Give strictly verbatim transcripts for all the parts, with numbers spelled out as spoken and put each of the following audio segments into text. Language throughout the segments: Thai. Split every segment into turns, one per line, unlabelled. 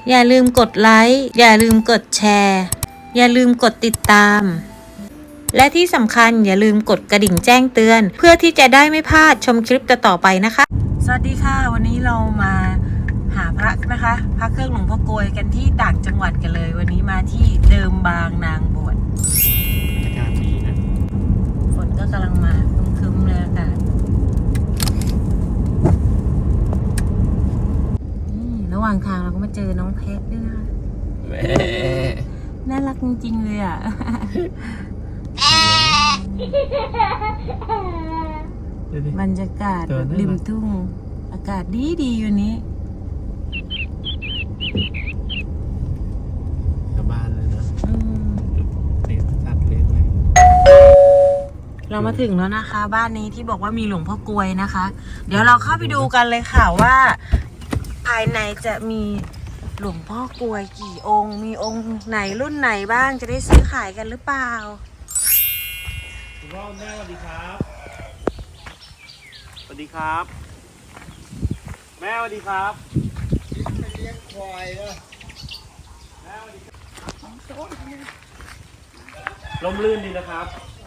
อย่าลืมกดไลค์อย่าลืมกดแชร์อย่าลืมกดติดตามและที่สำคัญอย่าลืมกดกระดิ่งแจ้งเตือนเพื่อที่จะได้ไม่พลาดชมคลิปต่อๆไปนะคะสวัสดีค่ะวันนี้เรามาหาพระนะคะพระเครื่องหลวงพ่อโกยกันที่ต่างจังหวัดกันเลยวันนี้มาที่เดิมบางนางบวช
อากาศดีนะ
ฝนก็กำลังมาครึ้มๆเลยอากาศระหว่างทางเราก็มาเจอน้องเพชรด้วยนะคะ
แม่
น่ารักจริงๆเลยอ่ะบรรยากาศริมทุ่งอากาศดีดีอยู่นี้
กลับบ้านเลยนะเลี้ยงสัตว์เลี้ยงอะไร
เรามาถึงแล้วนะคะบ้านนี้ที่บอกว่ามีหลวงพ่อกลวยนะคะเดี๋ยวเราเข้าไปดูกันเลยค่ะว่าภายในจะมีหลวงพ่อกลวยกี่องค์มีองค์ไหนรุ่นไหนบ้างจะได้ซื้อขายกันหรือเปล่า
คุณพ่อแม่สวัสดีครับสวัสดีครับแม่สวัสดีครับ
เลี้ยงควายนะ
แม่สวัสดีลมลื่นดีนะครับ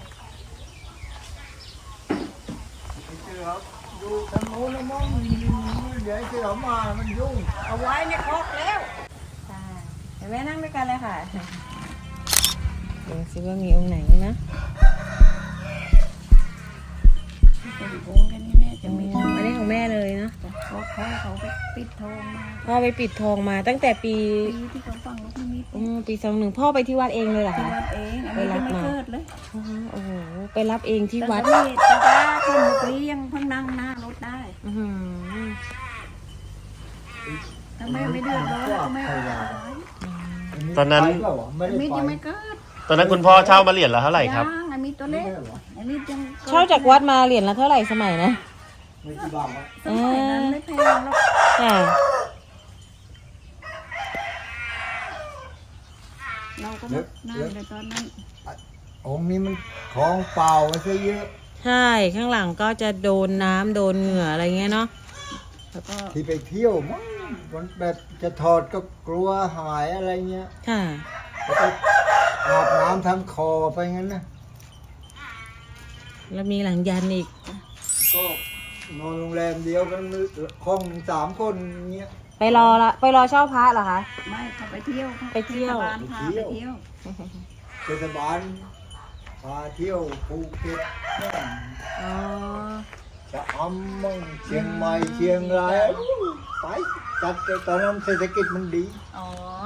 เชื่อครับดูทางโน้นแล้วมั้งเดี๋ยวเชื่อมามันยุ่ง
เอาไว้ในครกแล้วเดี๋ยวแม่นั่งด้วยกันเลยค่ะดูซิว่ามีองค์ไหนนะ
องค์กันนี่แม่จะมี
อันนี้ของแม่เลยนะ
เพราะพ่อเขาไปปิดทองมา
พ่อไปปิดทองมาตั้งแต่ปี
ปีที่เขาฟังลูกนิมิต
อืมปีสองหนึ่งพ่อไปที่วัดเองเลยเหรอคะ
วัดเองไปรับมาเลย
โอ้โหไปรับเองที่วัด
นี่ตาตาคนมุกลี้ยังเพิ่งนั่งหน้ารถได้ทำไมไม่เดือดร้อนทำไม
ตอนนั้น
มิตรยังไม่เกิด
ตอนนั้นคุณพ่อเช่ามาเหรียญละเท่าไหร่ครับ
อันนี้ตัวเล็กอันนี้ยัง
เช่าจากวัดมาเหรียญละเท่าไหร่สมัยนะ
ไม่กี่บาท
สมัยนั้นไม่แพงหรอก
ค่ะ
เราก็ไม่น่าเลยตอนนั้น
องค์นี้มันของเปล่าไว้ซะเยอะ
ใช่ข้างหลังก็จะโดนน้ำโดนเหงื่ออะไรเงี้ยเนาะ
แล้วก็ที่ไปเที่ยวมั้งวันแบบจะถอดก็กลัวหายอะไรเงี้ย
ค่ะ
แล้วก็อาบน้ำทำคอไปงั้นนะ
แล้วมีหลังยันอีก
ก็นอนโรงแรมเดียวกันห้องสามคนเงี้ย
ไปรอละไปรอเช่าพระเหรอคะ
ไม่เขาไปเที่ยว
ไปเที่ยว
พาไปเที่ยว
เทศบาลพาเที่ยวภูเก็ต
อ๋อ
จะอำมั่งเชียงใหม่เชียงรายไปจัดตอนนั้นเศรษฐกิจมันดี
อ๋อ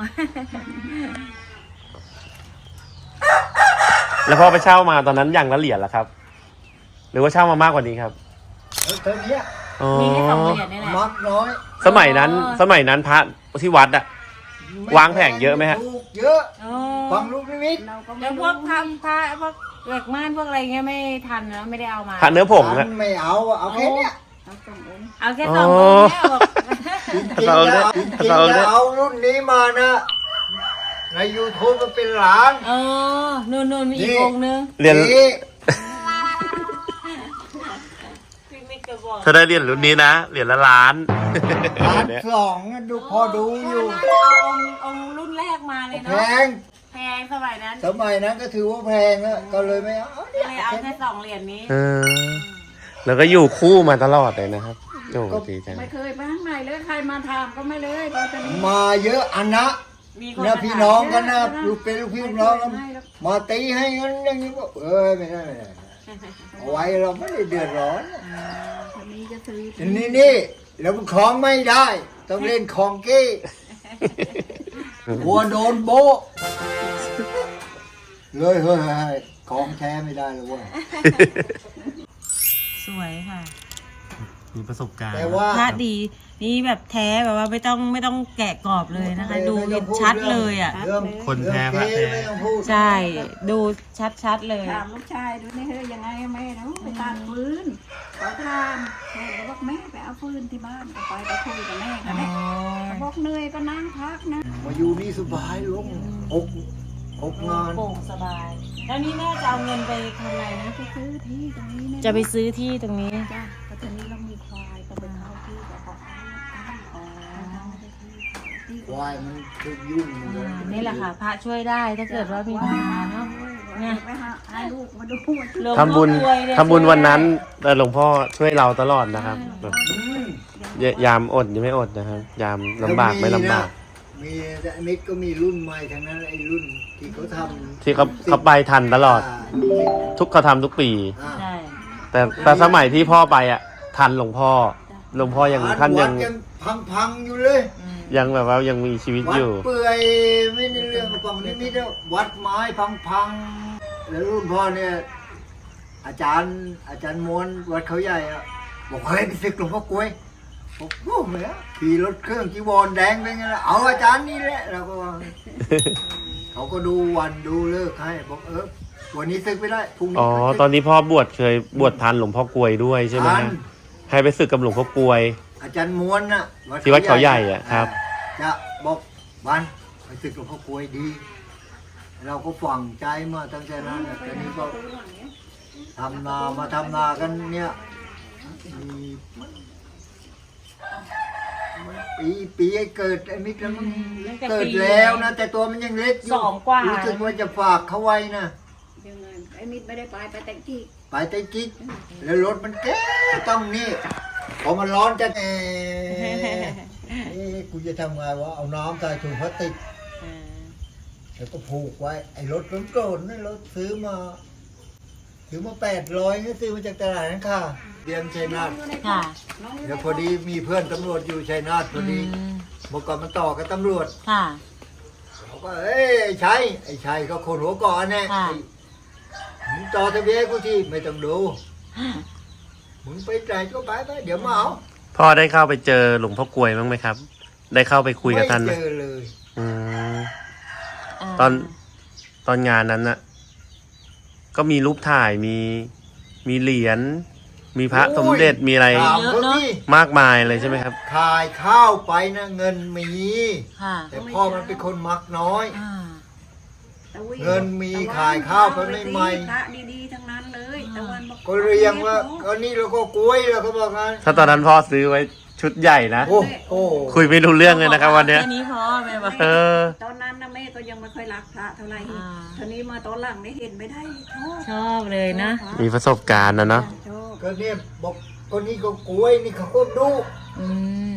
แล้วพ่อไปเช่ามาตอนนั้นอย่างละเหรียญละครับ หรือว่าเช่ามามากกว่านี้ครับ
เท่านี้
มีแค่สองเหรียญนี่แหละ
มักน้อย
สมัยนั้นสมัยนั้นพระที่วัดอะวางแผงเยอะไหมฮะ
เยอะฟังลูกนิมิต
แล้วพวกทำพระพวกเหล็กม่านพวกอะไรเงี้ยไม่ทันนะไม่ได้เอามา
พระเนื้อผงนะ
ไม่เอาเอาแค่เนี้ย
เอาแค่สององค์เนี่ยบอก
จริงๆแล้วจริงๆแล้วเอารุ่นนี้มานะใน ยูทูบ มันเป็นล้าน
เออนู่นนู่นมีอีกองนึง
เรียนถ้าได้เรียนรุ่นนี้นะเหรียญละล้าน
ล้านสองดูพอดูอยู่
เอาองค์องค์รุ่นแรกมาเลยเนาะ
แพง
แพงสมัยนั้น
สมัยนั้นก็ถือว่าแพงแล้วก็เลยไม่เอา
เลยเอาแค่สองเหรียญนี้
เออแล้วก็อยู่คู่มาตลอดเลยนะครับโอ้ดีจัง
ไม่เคยไปข้างในเลยใครมาถามก็ไม่เลยตอนนี้
มาเยอะอันนะเนี่ยพี่น้องกันนะลูกเป็นลูกพี่ลูกน้องกันมาตีให้กันอย่างนี้ก็เออไม่ได้ไม่ได้เอาไว้เราไม่ได้เดือดร้อน
วันนี้จะซื้อ
นี่นี่แล้วมันคล้องไม่ได้ต้องเล่นคองเก้กลัวโดนโบเลยเฮ้ยของแท้ไม่ได้เลยว่ะ
สวยค่ะ
มีประสบการณ์
แต่ว่า
พระดีนี่แบบแท้แบบว่าไม่ต้องไม่ต้องแกะกรอบเลยนะคะดูเห็นชัดเลยอ่ะ
คนแท้พระแท้
ใช่ดูชัดชัดเลย
ถามลูกชายดูนี่เฮ้ยยังไงแม่นะไปตัดฟืนเขาทำแม่บอกแม่ไปเอาฟืนที่บ้านไปไปคุยกับแม่กันแม่บอกเหนื่อยก็นั่งพักนะ
มาอยู่นี่สบายลุงอกอกงาน
โปร่งสบายแล้วนี่แม่จะเอาเงินไปทำอะไรนะ
ไปซื้อที่ตรงนี้
จะไปซื้อที่ตรงนี้
จ้ะแต่ตรงนี้เรามีควายต้องไปเข้าที่กับเขา
คววายมันทุกยุ่งหมดเลย
นี่แหละค่ะ พระช่วยได้ถ้าเกิดว่ามีปัญหาเนาะ
เนี่ยไปหาให้ลูกมาดูว่า
หลวง
ทำบุญ
พ่อกลวยเนี่ย
ทำบุญวันนั้นแต่หลวงพ่อช่วยเราตลอดนะครับแบบ
อืม
ยามอดยังไม่อดนะครับ ยามลำบากไม่ลำบาก
มีแต่มิตรก็มีรุ่นใหม่ทั้งนั้นไอ้รุ่นที่เขาทำ
ที่เขาเขาไปทันตลอด
า
ทุกเขาทำทุกปี
อ่า
ใช่
แต่แต่สมัยที่พ่อไปอ่ะ ทันหลวงพ่อ หลวงพ่อยังท่านยัง
วัดยังพังๆอยู่เลย
ยังแบบว่ายังมีชีวิต
วั
อ
ด
ยู่
เปื่อยไม่ได้เรื่องกองนี้มิตรวัดไม้พังๆแล้วรุ่นพ่อเนี่ย อาจารย์อาจารย์ม้วนวัดเขาใหญ่อะบอกเฮ้ยไปศึกหลวงพ่อกล้วยบอกโอ้โหเนี่ยขี่รถเครื่องจีวรแดงไปไงล่ะเอาอาจารย์นี่แหละเราก็ว่า เขาก็ดูวันดูเลิกให้บอกเออวันนี้ศึกไม่ได้พรุ่งนี้
อ๋อ
ค่ยศึก
ตอนนี้พ่อบวชเคยบวชทันหลวงพ่อกลวยด้วยใช่ไหม
ทั
ฮะ
น
ให้ไปศึกกับหลวงพ่อกลวย
อาจารย์ม้วนน่ะ
ที่วัดเขาใหญ่อะครับ
จะบอกวันไปศึกหลวงพ่อกล้วยดี เราก็ฝังใจมาตั้งแต่นั้นน่ะแต่นี้ก็ทำนามาทำนากันเนี่ยมีปีปีไอ้เกิดไอ้มิตรมัน
ตั้งแต่
เกิด
ปี
แล้วนะแต่ตัวมันยังเล็กอยู่
สองกว่า
รู้สึกว่าจะฝากเขาไว้นะ
ยังไงไอ้มิดไม่ได้ไปไปแต่งที่
ไปไต้กิ๊กแล้วรถมันแก่ต้องนี่พอมันร้อนจะเอ๊ะเอ๊ะกูจะทำไงวะเอาน้ำใส่ถุงพลาสติกแล้วก็ผูกไว้ไอ้รถรถโกรธนี่รถซื้อมาซื้อมาแปดร้อยนี่ซื้อมาจากตลาดนั่นค่ะเรียนชัยนาท
ค่ะ
เดี๋ยวพอดีมีเพื่อนตำรวจอยู่ชัยนาทพอดี
อืม
เมื่อก่อนมันต่อกับตำรวจ
ค่ะ
เขาก็เอ้ยไอ้ชัยไอ้ชัยก็คนหัวก่อนแน่
ค่ะ
ไอ้มึงต่อทะเบียนกูที่ไม่ต้องดู มึงไปไหนก็ไปไปเดี๋ยวมาเอา
พ่อได้เข้าไปเจอหลวงพ่อกลวยบ้างไหมครับ ได้เข้าไปคุยกับท่านไหม
ไม่เจอเลย
อืม ตอน ตอนงานนั้นน่ะ ก็มีรูปถ่ายมีมีเหรียญมีพระสมเด็จมีอะไร
ถามเขาที่
มากมายเลยใช่ไหมครับ
ขายข้าวไปนะเงินมี
ค่ะ
แต่พ่อมันเป็นคนมักน้อย
อ่า
ตะวี
เงินมีขายข้าวไปไม่ไหม
พระดีๆทั้งนั้นเลยตะวันบอก
ก็เรียงว่าก็นี่เราก็กล้วยเราก็บอกงั้น
ถ้าตอนนั้นพ่อซื้อไว้ชุดใหญ่นะ
โอ้โห
คุยไม่รู้เรื่องเลยนะครับ วันเนี้ย
แค่นี้พอแม่บอก
เออ
ตอนนั้นนะแม่ก็ยังไม่ค่อยรักพระเท่าไหร่
อ่า
ทีนี้มาตอนหลังได้เห็นไม่ได้ชอบ
ชอบเลยนะ
ชอบ
มีประสบการณ์นะเนาะ
ชอบ
ก็เนี่ยบอกคนนี้ก็กล้วยนี่เขาก็ดู
อืม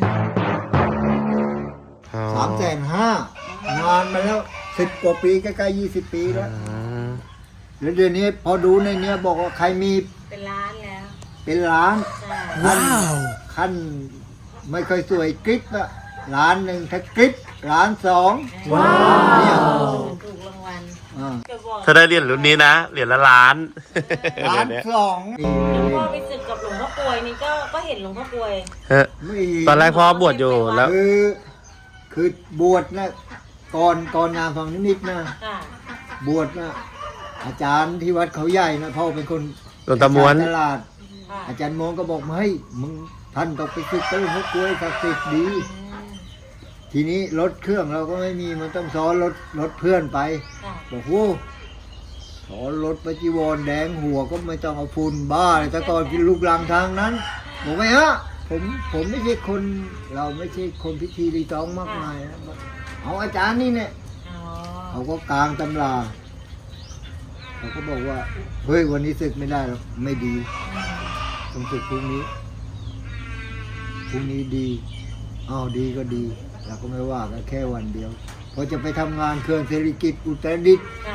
อ๋อ
สามแสนห้านานมาแล้วสิบกว่าปีใกล้ๆยี่สิบปีแล้ว
อืม
แล้วเดี๋ยวนี้พอดูในเนี้ยบอกว่าใครมี
เป็นร้านแล้ว
เป็นล้าน
ใช่
ว้าวขั้นไม่ค่อยสวยกริปอะล้านหนึ่งถ้ากริปล้านสองว้าวเนี่ย
ถูกรางวัล
อ่า
จะบอก
ถ้าได้เหรียญรุ่นนี้นะเหรียญละล้าน
ล้าน
เดี๋ยวเนี้ย
สอง
หลวงพ่อไปศึกกับหลวงพ่อกลวยนี่ก็ก็เห็นหลวงพ่อกลวย
เฮ้ย
ไม่
ตอนแรกพ่อบวชอยู่แล้ว
คือคือบวชนะก่อนก่อนงานฟังนิดๆนะ
ค่ะ
บวชนะอาจารย์ที่วัดเขาใหญ่นะพ่อเป็นคน
หลวงตาม้วน
ตลาด
ค่ะ
อาจารย์มองก็บอกมาให้ยมึงท่านต้องไปศึกกับหลวงพ่อกล้วยศักดิ์สิทธิ์ดี
อืม
ทีนี้รถเครื่องเราก็ไม่มีมันต้องซ้อนรถรถเพื่อนไป
ค่ะ
บอกโอ้ซ้อนรถไปจีวรแดงหัวก็ไม่ต้องเอาฝุ่นบ้าเลยแต่ก่อนกินลูกลังทางนั้นบอกไหมฮะผมผมไม่ใช่คนเราไม่ใช่คนพิธีรีตองมากมายนะบอกเอาอาจารย์นี่เนี่ย
อ๋อ
เขาก็กลางตำราเขาก็บอกว่าเฮ้ยวันนี้ศึกไม่ได้หรอกไม่ดีต้องศึกพรุ่งนี้พรุ่งนี้ดีอ้าวดีก็ดีเราก็ไม่ว่ากันแค่วันเดียวพอจะไปทำงานเครื่องเศรษฐกิจอุตรดิตถ์
ค่ะ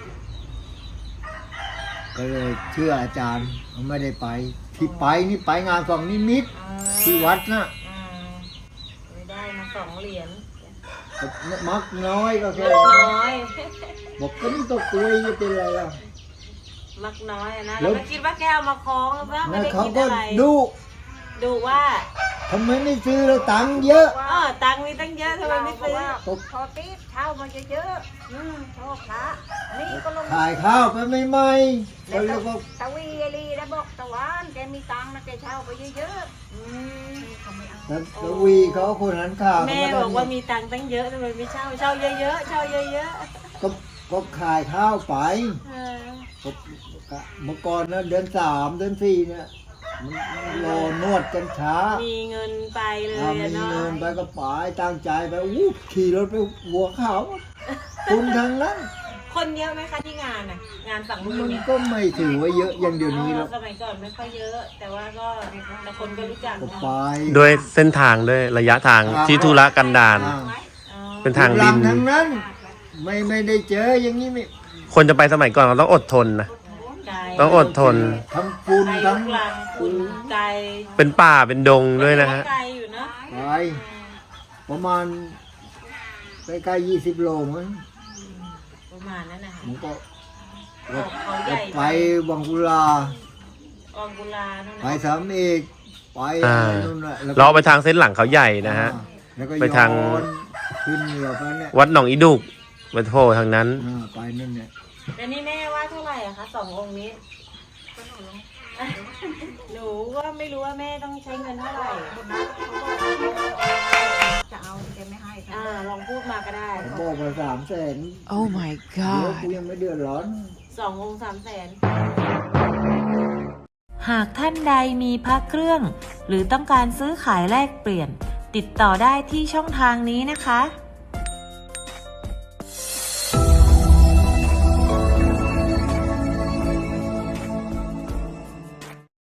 ก็เลยเชื่ออาจารย์เขาไม่ได้ไป ที่ไปนี่ไปงานฝั่งนิมิตร
อ่า
ที่วัดนะ
อ่าไม่ได้มาสองเหรียญ
มักน้อยก็แค่
มักน้อย
บอกก็นี่ตัวกล้วยจะเป็นอะไรล่ะ
มักน้อยอะนะ
แล้
เรา
ว
ก็คิดว่าแกเอามาคล้องแล้วไม่
แล้ว
ได้
เขา
คิด
ก็
อะไร
ดู
ดูว่า
ทำไมไม่ซื้อแล้วตังค์เยอะ
เออตังค์มีตั้งเยอะทำไมไม่ซื้อ
ตก
พอตีเช่ามาเยอะๆอืมชอบพระนี่ก็ลง
ขายข้าวไปไม่ไหมก็เลยบอก
ตะวีไอรีแล้วบอกตะวันแกมีตังค์นะแกเช่าไปเยอะๆอืมเขาไม่เอา
แล้วตะวีเขาคนนั้นข่าว
แม่
เขา
บอกว่า
ได้
มีตังค์ตั้งเยอะทำไมไม่เช่าเช่าเยอะๆเช่าเยอะ
ก็ก็ขายข้าวไป
ๆเออ
ก็เมื่อก่อนนะเดือนสามเดือนสี่เนี่ยมันรอนวดกันช้า
มีเงินไปเลย
ถ้ามี
เนาะ
เงินไปก็ไปตั้งใจไปอู้ขี่รถไปหัวขาวคุณทั้งนั้น
คนเยอะไหมคะที่งานน่ะงานฝั่งนู้น
มัน
เนี่ย
ก็ไม่ถือว่าเยอะอย่างเดี๋ยวนี้หรอก
สมัยก่อนไม่ค่อยเยอะ แต่ว่าก็แต่คนก็รู้จัก
ก็
เนาะ
ไป
ด้วยเส้นทางด้วยระยะทางที่ธุระกันดาร
อ่า
อ๋อ
เป็นทางดิน
หลัทั้งนั้น ไม่ไม่ได้เจออย่างนี้ไม่
คนจะไปสมัยก่อนเราต้องอดทนนะ
ไกล
ต้องอดทน
ทั้งฝุ่น
ไกล
ทั้ง
ลูกลังคุณไกล
เป็นป่าเป็นดงด้วยนะฮะ
ไกลอยู่เนาะ
ไปประมาณใกล้ๆยี่สิบโลมั้ง
ประมาณนั้นนะคะ
มันก็
ออกเขาใหญ่
ไปวังกุลา
อองกุลานู่น
ไป
นะ
สามเอกไป
อ่า
อะไรนู่นน่ะแล้วก็
เราไปทางเส้นหลังเขาใหญ่นะฮะ
อ่าแล้วก็
ไปทาง
ย้อนขึ้นเหนือไปเนี่ย
วัดหนองอีดุกไปโผล่ทางนั้น
อ่าไปนั่นเนี่ย
แล้วนี่แม่ว่าเท่าไหร่อะคะสององค์นี้ หนูก็ไม่รู้ว่าแม่ต้องใช้เงินเท่าไหร่
จะเอาแกไม่ให้
อ่าลองพูดมาก็ได้
ผมบอกไปสามแสน
Oh my
เดี๋ยว
god.
กูยังไม่เดือดร้อน
สององค์สามแสน
หากท่านใดมีพระเครื่อง หรือต้องการซื้อขายแลกเปลี่ยน ติดต่อได้ที่ช่องทางนี้นะคะ